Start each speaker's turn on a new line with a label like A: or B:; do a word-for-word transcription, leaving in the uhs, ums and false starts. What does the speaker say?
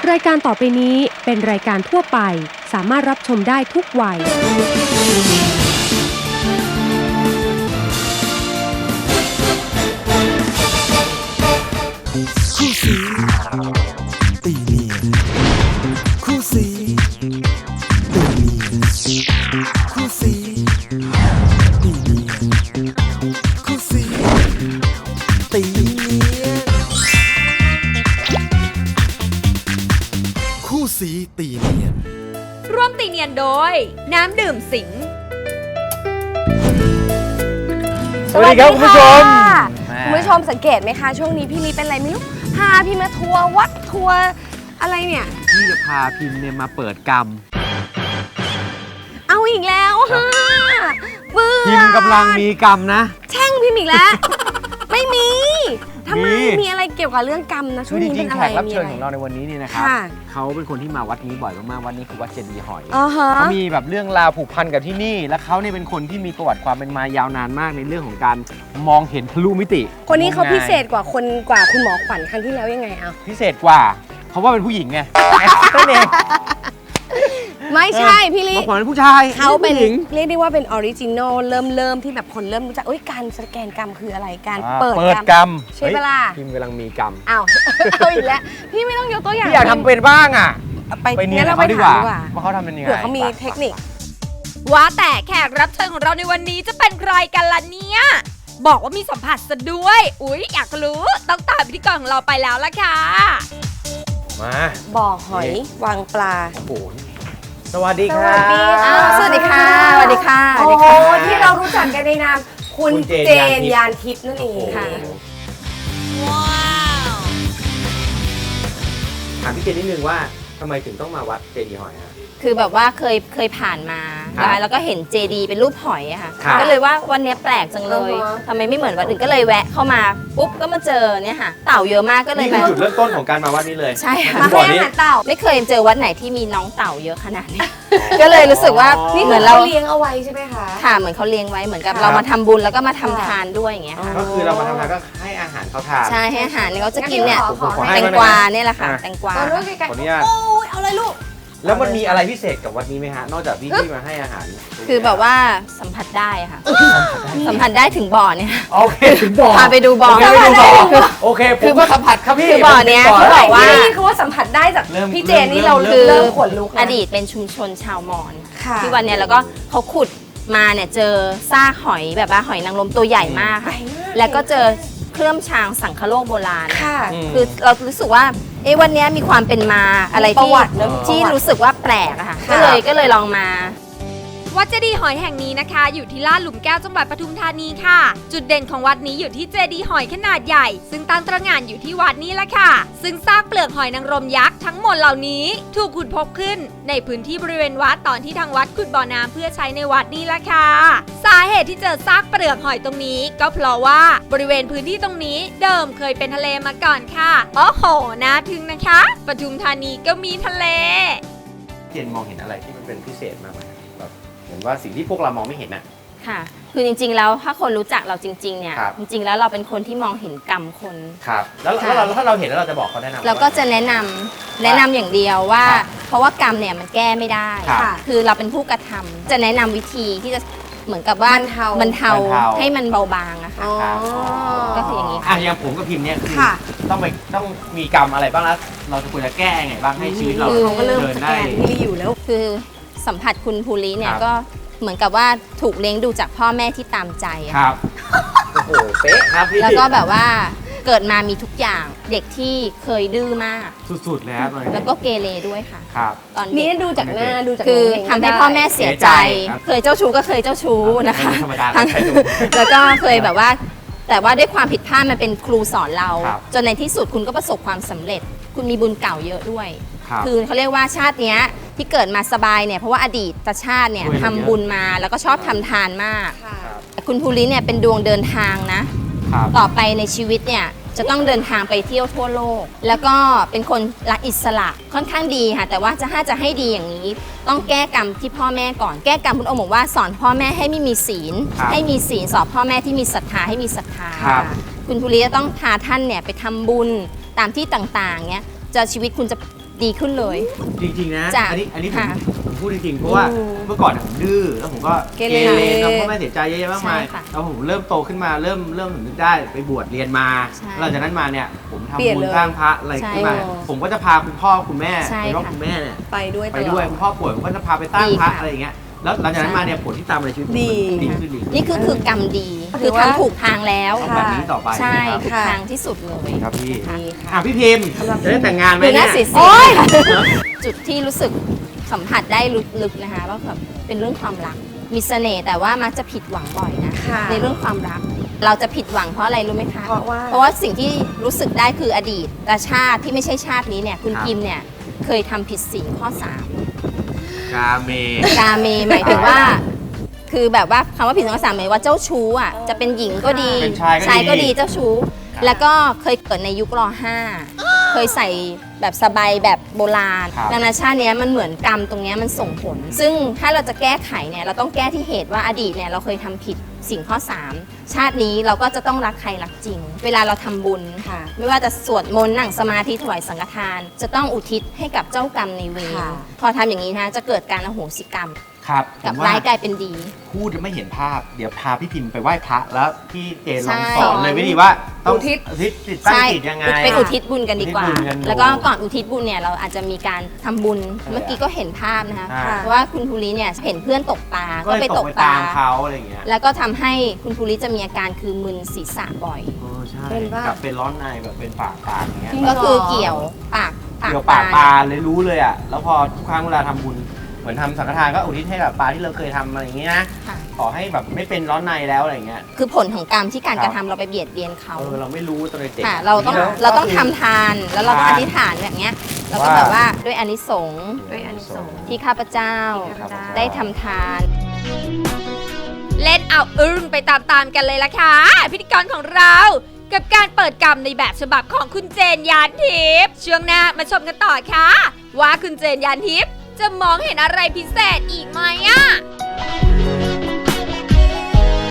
A: รายการต่อไปนี้เป็นรายการทั่วไปสามารถรับชมได้ทุกวัย
B: คู่สีตีเนียนคู่สีตีเนียนคู่สีตีเนียนคู่สีตีเนียนคู่สีตีเนียน
C: ร่วมตีเนียนโดยน้ำดื่มสิง
D: สวัสดีครับคุณผู้ชมคุณผู้ชมสังเกตไหมคะช่วงนี้พี่ลีเป็นอะไรไม่รู้พาพี่มาทัวร์วัดทัวร์อะไรเนี่ย
E: พี่จะพาพิมเนี่ยมาเปิดกรรม
D: เอาอีกแล้วฮะเบื่อ
E: พิมกำลังมีกรรมนะ
D: แช่งพิมอีกแล้ว ไม่มีทำไมมีอะไรเกี่ยวกับเรื่องกรรมนะช่วงนี้เป็นอะไร
E: แขกรับเชิญของเราในวันนี้นี่นะครับเขาเป็นคนที่มาวัดนี้บ่อยมากๆวัดนี้คือวัดเจดีย์หอยเขามีแบบเรื่องราวผูกพันกับที่นี่และเขาเนี่ยเป็นคนที่มีประวัติความเป็นมายาวนานมากในเรื่องของการมองเห็นทะลุมิติ
D: คนนี้เขาพิเศษกว่าคนกว่าคุณหมอขวัญครั้งที่แล้วยังไงเอา
E: พิเศษกว่าเพราะว่าเป็นผู้หญิงไงนั่นเอง
D: ไม่ใช่พี่ลิ
E: หมอขวัญเป็นผู้ชาย
D: เขาเป็นเรียกได้ว่าเป็นออริจินอลเริ่มเริ่มที่แบบคนเริ่มรู้จักการสแกนกรรมคืออะไรการเปิด
E: กรรม
D: ใช่เวลา
E: พิมกำลังมีกรรม
D: อ้าวเอาอีกแล้วพี่ไม่ต้องยกตัวอย่าง
E: พี่อยากทำเป็นบ้างอ่ะ
D: ไปเนี่ยเราไปดีกว่า
E: ว่าเขาทำเป็นยังไง
D: เผื่อเขามีเทคนิค
C: ว่าแต่แขกรับเชิญของเราในวันนี้จะเป็นใครกันล่ะเนี่ยบอกว่ามีสัมผัสซะด้วยอุ๊ยอยากรู้ต้องตามพิธีกรของเราไปแล้วล่ะค่ะ
E: มา
D: บ่อหอยวางปลา
E: โอ้โหสวัสดีค่ะ
D: สวัสดีค่ะสวัสดีค่ะโอ้โหที่เรารู้จักกันในนามคุณเจนยานทิพย์นั่นเองค่ะ
C: ว้าว
E: ถามพี่เจนนิดนึงว่าทำไมถึงต้องมาวัดเจดีย์หอยฮะ
F: คือแบบว่าเคยเคยผ่านมาแล้วก็เห็นเจดีย์เป็นรูปหอยอะค่ะก็เลยว่าวันนี้แปลกจังเลยทำไมไม่เหมือนวัดอื่นก็เลยแวะเข้ามาปุ๊บก็มาเจอเนี่ยค่ะเต่าเยอะมากก็เลย
E: นี่คือจุดเริ่มต้นของการมาวัดนี้เลย
F: ใช่ค่ะ
D: มาให้อาหารเต่า
F: ไม่เคยเจอวัดไหนที่มีน้องเต่าเยอะขนาดนี้ก็เลยรู้สึกว่า
D: นี่เหมือนเราเลี้ยงเอาไว้ใช่ไหมคะ
F: ค่ะเหมือนเขาเลี้ยงไว้เหมือนกับเรามาทำบุญแล้วก็มาทำทานด้วยอย่างเงี้ยค่ะ
E: ก็คือเรามาทำทานก็ให้อาหารเขาทาน
F: ใช่ให้อาหารเนี่ยเขาจะกินเนี่ยแตงกวาเนี่ยแหละค่ะแตงกวา
E: ขออนุญาต
D: โอ้ยเอาเลยลูก
E: แล้วมันมีอะไรพิเศษกับวัดนี้ไหมฮะนอกจากพี่ที่มาให้อาหาร
F: คือแบบว่าสัมผัสได้ค่ะสัมผัสได้ถึงบ่อเนี่ย
E: โอเคถึงบ่อ
F: พาไปดูบ่อ
E: โอเคคือว่าสัมผัสครับพี่
F: คือบ่อเนี้ยเขาบอกว่า
D: นี่คือว่าสัมผัสได้จากพี่เจนนี่เรา
F: คือ
D: เริ่มขนลุก
F: อดีตเป็นชุมชนชาวมอญที่วันเนี้ยแล้วก็เขาขุดมาเนี่ยเจอซากหอยแบบว่าหอยนางรมตัวใหญ่มากค่ะแล้วก็เจอเครื่องชางสังคโลกโบราณคือเรารู้สึกว่าเอ๊ะวันนี้มีความเป็นมาอะไรที่ที่รู้สึกว่าแปลกอะค่ะก็เลยก็เลยลองมา
C: วัดเจดีย์หอยแห่งนี้นะคะอยู่ที่ลาดหลุมแก้วจังหวัดปทุมธานีค่ะจุดเด่นของวัดนี้อยู่ที่เจดีย์หอยขนาดใหญ่ซึ่งตั้งตระหง่านอยู่ที่วัดนี้ละค่ะซึ่งซากเปลือกหอยนางรมยักษ์ทั้งหมดเหล่านี้ถูกขุดพบขึ้นในพื้นที่บริเวณวัดตอนที่ทางวัดขุดบ่อน้ำเพื่อใช้ในวัดนี้ละค่ะสาเหตุที่เจอซากเปลือกหอยตรงนี้ก็เพราะว่าบริเวณพื้นที่ตรงนี้เดิมเคยเป็นทะเลมาก่อนค่ะโอ้โหน่าทึ่งนะคะปทุมธานีก็มีทะเล
E: เจนมองเห็นอะไรที่มันเป็นพิเศษมากไหมเห็นว่าสิ่งที่พวกเรามองไม่เห็นน่ะ
F: ค่ะคือจริงๆแล้วถ้าคนรู้จักเราจริงๆเนี่ยจริงๆแล้วเราเป็นคนที่มองเห็นกรรมคน
E: ครับแล้วเราถ้าเราเห็นแล้วเราจะบอกเขาแนะนำ
F: เราก็จะแนะนำแนะนำอย่างเดียวว่าเพราะว่ากรรมเนี่ยมันแก้ไม่ได้คือเราเป็นผู้กระทำจะแนะนำวิธีที่จะเหมือนกับว่าบรรเทาให้มันเบาบางอะค่ะก็คืออย่างนี้
E: อ่ะอย่างผมกับพิมเนี่ยคือต้องไปต้องมีกรรมอะไรบ้างแล้วเราจะควรจะแก้ไงบ้างให้ชีวิตเรา
D: เดินได้ที่อยู่แล้ว
F: คือสัมผัสคุณภูริเนี่ยก็เหมือนกับว่าถูกเลี้ยงดูจากพ่อแม่ที่ตามใจ
E: ครับโอ้โหเป๊ะครับพี่
F: แล้วก็แบบว่าเกิดมามีทุกอย่างเด็กที่เคยดื้อมาก
E: สุดๆแล้ว
F: แล้วก็เกเรด้วยค่ะ
E: ครับ
D: ตอนนี้ดูจากหน้าดูจาก
F: คือทำให้พ่อแม่เสียใจเคยเจ้าชู้ก็เคยเจ้าชู้นะคะ
E: ธรรมดา
F: แล้วก็เคยแบบว่าแต่ว่าด้วยความผิดพลาดมันเป็นครูสอนเราจนในที่สุดคุณก็ประสบความสำเร็จคุณมีบุญเก่าเยอะด้วยคือเขาเรียกว่าชาติเนี้ยที่เกิดมาสบายเนี่ยเพราะว่าอดีตชาติเนี่ยทำบุญมาแล้วก็ชอบทำทานมากคุณภูริเนี่ยเป็นดวงเดินทางนะต่อไปในชีวิตเนี่ยจะต้องเดินทางไปเที่ยวทั่วโลกแล้วก็เป็นคนรักอิสระค่อนข้างดีค่ะแต่ว่าจะถ้าจะให้ดีอย่างนี้ต้องแก้กรรมที่พ่อแม่ก่อนแก้กรรมคุณองค์บอกว่าสอนพ่อแม่ให้ไม่มีศีลให้มีศีลสอนพ่อแม่ที่มีศรัทธาให้มีศรัทธาคุณภูริจะต้องพาท่านเนี่ยไปทำบุญตามที่ต่างๆเนี่ยจะชีวิตคุณจะดีขึ้นเลย
E: จริงๆนะ
F: จ้ะ
E: อันนี้อันนี้ผม
F: ค่ะ
E: ผมพูดจริงๆเพราะว่า
D: อืม
E: เมื่อก่อนผมดื้อแล้วผมก็
D: เกเร
E: แล้วพ่อแม่เสียใจเยอะแยะมากมาย
F: ใช่ค่ะ
E: แล้วผมเริ่มโตขึ้นมาเริ่มเริ่มสำนึกได้ไปบวชเรียนมา
F: ใช่
E: หลังจากนั้นมาเนี่ยผมทำ
D: เปลี่ยน
E: บุญ
D: เลย
E: สร้างพระอะไรขึ้นมา
F: ใช่
E: ผมก็จะพาคุณพ่อคุณแม่
F: ใช่
E: คุณพ่อ
F: ค่ะ
E: คุณแม่เนี่ย
D: ไปด้วยต
E: ไป
D: ล
E: ด้วย
D: อด
E: คุณพ่อป่วยผมก็จะพาไปตั้ง
F: ดี
E: พระ
F: ค่ะ
E: อะไรอย่างเงี้ยแล้วหลังจากนั้น
F: ใช่
E: มาเนี่ยผลที่ตามมาในชีวิตผม
D: ดี
E: มันดีขึ้นดีขึ้น
F: นี่คือคือกรรมดี
D: ถื
F: คือ
D: อว่า
F: ทำถูกทางแล้ว
E: เอาแบบนี้ต่อไป
F: ใช่
E: ไหมครับ
F: ถูก
D: ค่ะ
F: ทางที่สุดเลย
E: ครับพี่
F: ค่ะ
D: ดีค่ะ
E: อ่ะพี่พิมพ์จะได้แต่งงานไหม
F: ดูห
E: เนี่
F: น้าย สี
D: โอ๊ย
F: จุดที่รู้สึกสัมผัสได้ลึกๆนะคะว่าแบบเป็นเรื่องความรัก มีเสน่ห์แต่ว่ามักจะผิดหวังบ่อยนะ
D: ค่ะ
F: ในเรื่องความรัก เราจะผิดหวังเพราะอะไรรู้ไหมคะ
D: เพราะว่า
F: เพราะว่าสิ่งที่รู้สึกได้คืออดีตแต่ชาติที่ไม่ใช่ชาตินี้เนี่ยคุณ
E: ครับ
F: พิมพ์เนี่ยเคยทำผิดศีลข้อสาม
E: กาเม
F: กาเมหมายถึงว่า คือแบบว่าคำว่าผิดศีลข้อสามหมายว่าเจ้าชู้อ่ะจะเป็นหญิงก็ดี
E: เป็นชายก็ดี
F: ก็ดีเจ้าชู้ แล้วก็เคยเกิดในยุครห้าเคยใส่แบบสบายแบบโบราณ
E: ครับ
F: ดังนั้นชาติเนี้ยมันเหมือนกรรมตรงเนี้ยมันส่งผล ซึ่งถ้าเราจะแก้ไขเนี่ยเราต้องแก้ที่เหตุว่าอดีตเนี่ยเราเคยทำผิดสิ่งข้อสามชาตินี้เราก็จะต้องรักใครรักจริง เวลาเราทำบุญ
D: ค่ะ
F: ไม่ว่าจะสวดมนต์นั่งสมาธิถวายสังฆทาน จะต้องอุทิศให้กับเจ้ากรรมในายเวร
D: ค่ะ
F: พอทำอย่างนี้นะจะเกิดการอโหสิกรรม
E: ครับผ
F: กับ
E: มว่า
F: ร้ายกลายเป็นดี
E: พูดจะไม่เห็นภาพ เดี๋ยวพาพี่พิมพ์ไปไหว้พระแล้วพี่เจนลอง
F: ใช่
E: สอนเลยวิธีว่าต้อง
D: อุทิศ
E: อุทิศจิตตั้ง
F: ใช่
E: จิตยังไง
F: ไปอุทิศบุญกันดีกว่า
E: อุทิศบุญกัน
F: แล้วก็ก่อนอุทิศบุญเนี่ยเราอาจจะมีการทำบุญ
E: ใช่
F: เมื่อกี้ก็เห็นภาพนะคะ
E: ใช่
F: เพราะว่าคุณภูริเนี่ยเห็นเพื่อนตกปลา
E: ก็
F: ก็
E: เลย
F: ไป
E: ต
F: ต
E: ก
F: ก
E: ไป
F: ปลา
E: ตามเขาอะไรอย่างเงี้ย
F: แล้วก็ทำให้คุณภูริจะมีอาการคือมึนศีรษะบ่อย
E: เออใช่
D: เป็นปะ
E: กับเป็นร้อนในแบบเป็นปากปากอย่างเงี้ย
D: จริง
F: ก็คือเกี่ยวปากปาก
E: เกี่ยวปากปลาเลยรู้เลยอ่ะแล้วพอทุกครั้งเวลาทำบุญเหมือนทำสังฆทานก็อุทิศให้กับปลาที่เราเคยทำอะไรอย่างงี้นะ
F: ค่ะ
E: ขอให้แบบไม่เป็นร้อนในแล้วอะไรอย่างเงี้ย
F: คือผลของกรรมที่การ
E: ครับ
F: กระทำเราไปเบียดเบียนเขา
E: เออเราไม่รู้ตอนเด็ก
F: ค่ะเราต้อง
E: ทีนี้
F: เราต้อง
E: ก็คื
F: ทำทานแล้วเราก็
E: ทาน
F: อธิษฐานแบบเนี้ยเราก็
E: ว่า
F: แบบว่าด้วยอานิสงส์
D: ด้วยอานิสงส์
F: ที่ข้าพเจ้า
D: ที่ข้าพเจ้า
F: ได้ทำทาน
C: เล่นเอาอึ้งไปตามๆกันเลยล่ะค่ะพิธีกรของเรา กับการเปิดกรรมในแบบฉบับของคุณเจนยานทิพย์ช่วงหน้ามาชมกันต่อค่ะ ว่าคุณเจนยานทิพย์จะมองเห็นอะไรพิเศษอีกไหมอะ